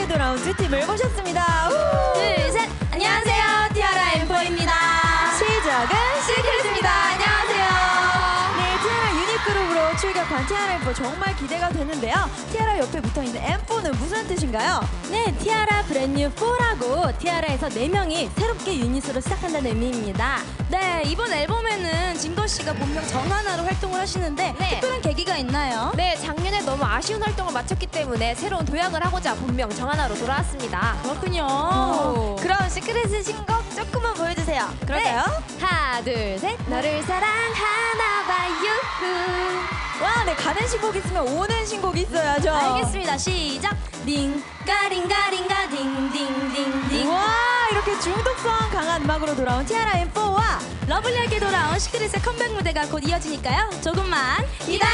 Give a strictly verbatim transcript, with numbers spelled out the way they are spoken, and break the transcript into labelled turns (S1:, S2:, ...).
S1: 돌아온 두 팀을 모셨습니다. 우!
S2: 둘, 셋! 안녕하세요, 티아라 엠포입니다.
S1: 시작은
S2: 시크릿입니다. 안녕하세요.
S1: 네, 티아라 유닛그룹으로 출격한 티아라 엠포 정말 기대가 되는데요. 티아라 옆에 붙어있는 엠포는 무슨 뜻인가요?
S2: 네, 티아라 브랜뉴 포라고 티아라에서 네 명이 새롭게 유닛으로 시작한다는 의미입니다. 네, 이번 앨범에는 진거 씨가 본명 정하나로 활동을 하시는데
S3: 네.
S2: 특별한 계기가 있나요?
S3: 네, 작년에 너무 아쉬운 활동을 마쳤기 때문에 새로운 도약을 하고자 본명 정하나로 돌아왔습니다.
S2: 그렇군요.
S3: 오.
S2: 그럼 시크릿의 신곡 조금만 보여주세요.
S1: 그럴까요?
S3: 네. 하나, 둘, 셋. 너를 사랑하나 봐요.
S1: 와, 네, 가는 신곡 있으면 오는 신곡 있어야죠.
S2: 알겠습니다. 시작. 링가링가링가 딩딩딩딩.
S1: 와, 이렇게 중독성 강한 음악으로 돌아온 티아라 엠포와
S2: 러블리하게 돌아온 시크릿의 컴백 무대가 곧 이어지니까요. 조금만 기다려주세요.